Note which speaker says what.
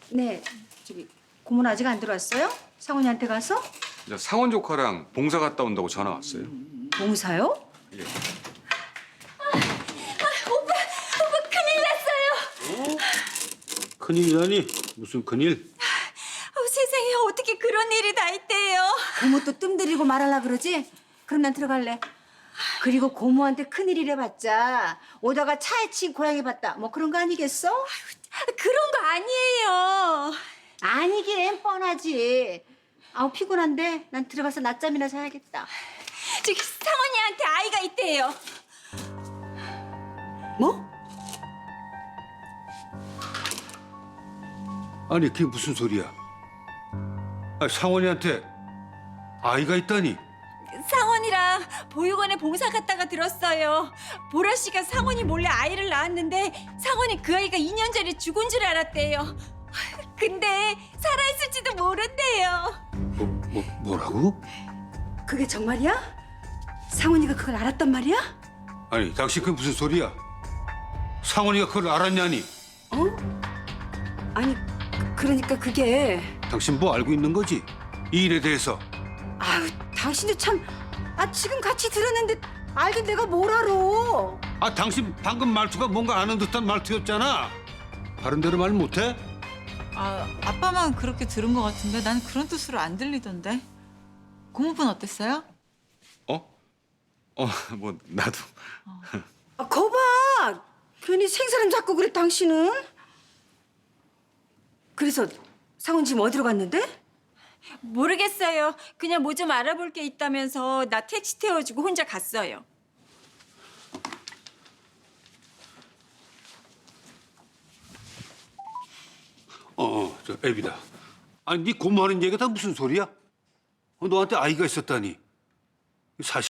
Speaker 1: 네, 저기 고모는 아직 안 들어왔어요? 상훈이한테 가서?
Speaker 2: 이제 상원 조카랑 봉사 갔다 온다고 전화 왔어요.
Speaker 1: 봉사요?
Speaker 2: 예.
Speaker 3: 큰일이라니? 무슨 큰일?
Speaker 4: 세상에 어떻게 그런 일이 다 있대요.
Speaker 1: 고모 또 뜸들이고 말하려 그러지? 그럼 난 들어갈래. 그리고 고모한테 큰일이래 봤자 오다가 차에 치인 고양이 봤다. 뭐 그런 거 아니겠어?
Speaker 4: 그런 거 아니에요.
Speaker 1: 아니긴 뻔하지. 아우 피곤한데 난 들어가서 낮잠이나 자야겠다.
Speaker 4: 저기 상원이한테 아이가 있대요.
Speaker 1: 뭐?
Speaker 3: 아니 그게 무슨 소리야? 아, 상원이한테 아이가 있다니?
Speaker 4: 상원이랑 보육원에 봉사 갔다가 들었어요. 보라 씨가 상원이 몰래 아이를 낳았는데 상원이 그 아이가 2년 전에 죽은 줄 알았대요. 근데 살아있을지도 모른대요.
Speaker 3: 뭐라고?
Speaker 1: 그게 정말이야? 상훈이가 그걸 알았단 말이야?
Speaker 3: 아니 당신 그게 무슨 소리야? 상원이가 그걸 알았냐니?
Speaker 1: 어? 아니 그러니까 그게
Speaker 3: 당신 뭐 알고 있는 거지? 이 일에 대해서.
Speaker 1: 아유 당신도 참 지금 같이 들었는데 알긴 내가 뭘 알아?
Speaker 3: 아 당신 방금 말투가 뭔가 아는 듯한 말투였잖아. 다른 대로 말 못해?
Speaker 5: 아빠만 그렇게 들은 것 같은데 난 그런 뜻으로 안 들리던데. 고모분 어땠어요?
Speaker 2: 뭐 나도.
Speaker 1: 거봐 괜히 생사람 잡고 그래 당신은. 그래서 상훈 지금 어디로 갔는데?
Speaker 4: 모르겠어요. 그냥 뭐 좀 알아볼 게 있다면서 나 택시 태워주고 혼자 갔어요.
Speaker 3: 저 애비다. 아니 네 고모하는 얘기가 다 무슨 소리야? 너한테 아이가 있었다니. 사실